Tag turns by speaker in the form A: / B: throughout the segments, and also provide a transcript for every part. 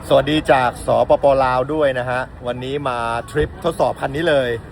A: สวัสดีจากสปป.ลาวด้วยนะฮะวันนี้มาทริปทดสอบคันนี้เลย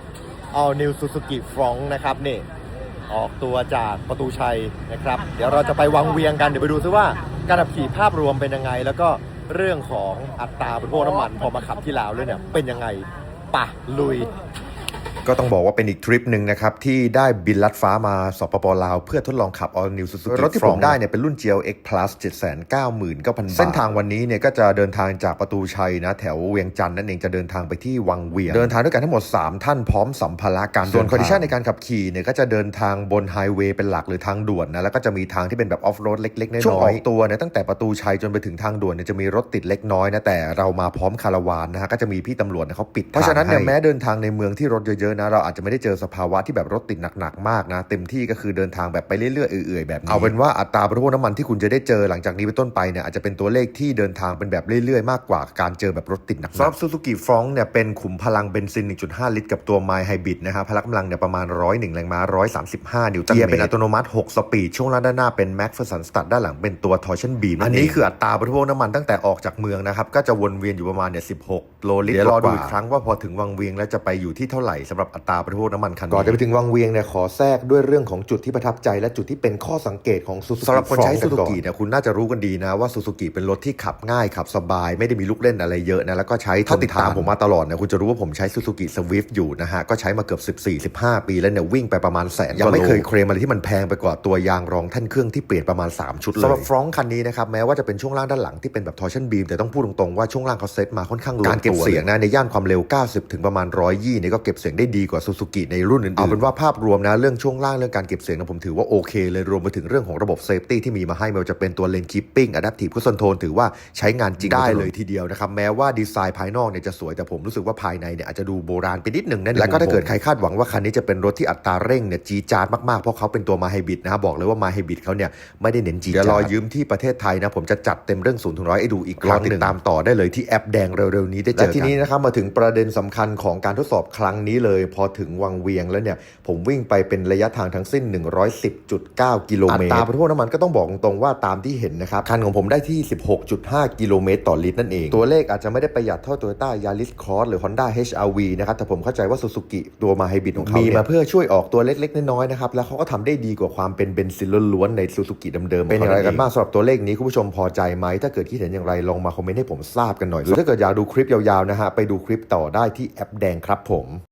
A: All New Suzuki Fronx นะครับนี่ออกตัวจากประตูชัยนะครับเดี๋ยวเราจะไปวังเวียงกันเดี๋ยวไปดูซิว่าการขับขี่ภาพรวมเป็นยังไงแล้วก็เรื่องของอัตราบริโภคน้ำมันพอมาขับที่ลาวเลยเนี่ยเป็นยังไงป่ะลุยก็ต้องบอกว่าเป็นอีกทริปหนึ่งนะครับที่ได้บินลัดฟ้ามาสปป.ลาวเพื่อทดลองขับ All New Suzuki รถที่ผมได้เนี่ยเป็นรุ่น GLX Plus 799,000 บาทเส้นทางวันนี้เนี่ยก็จะเดินทางจากประตูชัยนะแถวเวียงจันทร์นั่นเองจะเดินทางไปที่วังเวียงเดินทางด้วยกันทั้งหมด3ท่านพร้อมสัมภาระการส่วนคอนดิชันในการขับขี่เนี่ยก็จะเดินทางบนไฮเวย์เป็นหลักหรือทางด่วนนะแล้วก็จะมีทางที่เป็นแบบออฟโรดเล็กๆน้อยๆช่วงออกตัวเนี่ยตั้งแต่ประตูชัยจนไปถึงทางด่วนเนี่ยจะมีรถติดเล็กน้อยนะแต่เรามาพร้อมคาราวานนะฮะก็จะมีพี่ตำรวจเขาปิดเพราะฉะนั้นเนี่ยแม้เดินทางในเมืองที่รถเยอะๆนะเราอาจจะไม่ได้เจอสภาวะที่แบบรถติดหนักๆมากนะเต็มที่ก็คือเดินทางแบบไปเรื่อยๆเอื่อยๆแบบนี้เอาเป็นว่าอัตราบริโภคน้ำมันที่คุณจะได้เจอหลังจากนี้เป็นต้นไปเนี่ยอาจจะเป็นตัวเลขที่เดินทางเป็นแบบเรื่อยๆมากกว่าการเจอแบบรถติดหนักสำหรับ Suzuki Fronx เนี่ยเป็นขุมพลังเบนซิน 1.5 ลิตรกับตัว Mild Hybrid นะครับพละกำลังเนี่ยประมาณ101แรงม้า135นิวตันเมตรเกียร์เป็นอัตโนมัติ6สปีดช่วงล่างด้านหน้าเป็น McPherson Strut ด้านหลังเป็นตัว Torsion Beam อันนี้คืออัตราบริโภคน้ำมันตั้งแต่ออกจากเมืองนะครับก็จะวนเวียนอยู่ประมาณเนี่ย16โลลิตรเดี๋ยวรอดูอีกครั้งว่าพอถึงวังเวียงแล้วจะไปอยู่ที่เท่าไหร่สำหรับอัตราบริโภคน้ำมันคันนี้ก่อนจะไปถึงวังเวียงเนี่ยขอแทรกด้วยเรื่องของจุดที่ประทับใจและจุดที่เป็นข้อสังเกตของ Suzuki สำหรับคนใช้ Suzuki เนี่ยคุณน่าจะรู้กันดีนะว่า Suzuki เป็นรถที่ขับง่ายขับสบายไม่ได้มีลูกเล่นอะไรเยอะนะแล้วก็ใช้ถ้าติดตามผมมาตลอดเนี่ยคุณจะรู้ว่าผมใช้ Suzuki Swift อยู่นะฮะก็ใช้มาเกือบ14-15 ปีแล้วเนี่ยวิ่งไปประมาณแสนยังไม่เคยเคลมอะไรที่มันแพงไปกว่าตัวยางรองแท่นเครื่องที่เปลี่ยนประมาณ3ชุดเลยสำหรับ Fronx คันนี้นะครับแม้ว่าจะเป็นช่วงล่างด้านหลังที่เป็นแบบ Torsion Beam แต่ต้องพูดตรงๆว่าช่วงล่างเขาเซตมาค่อนข้างลงตัวการเก็บเสียงนะในย่านความเร็ว90ถึงประมาณ120เนี่ยก็เก็บเสียงได้ดีกว่า Suzuki ในรุ่นอื่นๆเอาเป็นว่าภาพรวมนะเรื่องช่วงล่างเรื่องการเก็บเสียงนะผมถือว่าโอเคเลยรวมไปถึงเรื่องของระบบเซฟตี้ที่มีมาให้ไม่ว่าจะเป็นตัวเลนคีปปิ้งอะแดปทีฟครูซคอนโทรลถือว่าใช้งานจริงได้เลยทีเดียวนะครับแม้ว่าดีไซน์ภายนอกเนี่ยจะสวยแต่ผมรู้สึกว่าภายในเนี่ยอาจจะดูโบราณไปนิดหนึ่งนั่นแล้วก็ถ้าเกิดใครคาดหวังว่าคันนี้จะเป็นรถที่อัตราเร่งเนี่ยจี๊ดจ๊าดมากๆเพราะเขาเป็นตัวมาไฮบริดนะบอกเลยว่ามาไฮบริดเขาเนี่ยไม่ได้เน้นจี๊ดจ๊าดเดี๋ยวรอยืมที่ประเทศไทยนะผมจะจัดเต็มเรื่อง0 ถึง 100ให้ดูอีกครั้งติดตามต่อได้เลยที่แอปแดงเร็วๆนี้ได้เจอกันและทีนี้นะครับมาถึงประเด็นสำคัญของการทดสอบครั้งนี้เลยพอถึงวังเวียงแล้วเนี่ยผมวิ่งไปเป็นระยะทางทั้งสิ้น110.9 กิโลเมตรอัตราบริโภคน้ำมันก็ต้องบอกตรงๆว่าตามที่เห็นนะครับคันของผมได้ที่16.5 กิโลเมตรต่อลิตรนั่นเองตัวเลขอาจจะไม่ได้ประหยัดเท่า Toyota Yaris Cross หรือ Honda HR-V นะครับแต่ผมเข้าใจว่า Suzuki ตัวมาไฮบริดของเขามีมาเพื่อช่วยออกตัวเล็กๆน้อยๆนะครับแล้วเขาก็ทำได้ดีกว่าความเป็นเบนซินล้วนๆใน Suzuki เดิมๆเป็นอย่างไรกันบ้างสำหรับตัวเลขนี้คุณผู้ชมพอใจไหมถ้าเกิดคิดเห็นอย่างไรลองมาคอมเมนต์ให้ผมทราบกันหน่อยหรือถ้าเกิดอยากดูคลิปยาวๆนะฮะไปดูคลิปต่อได้ที่แอปแดงครับผม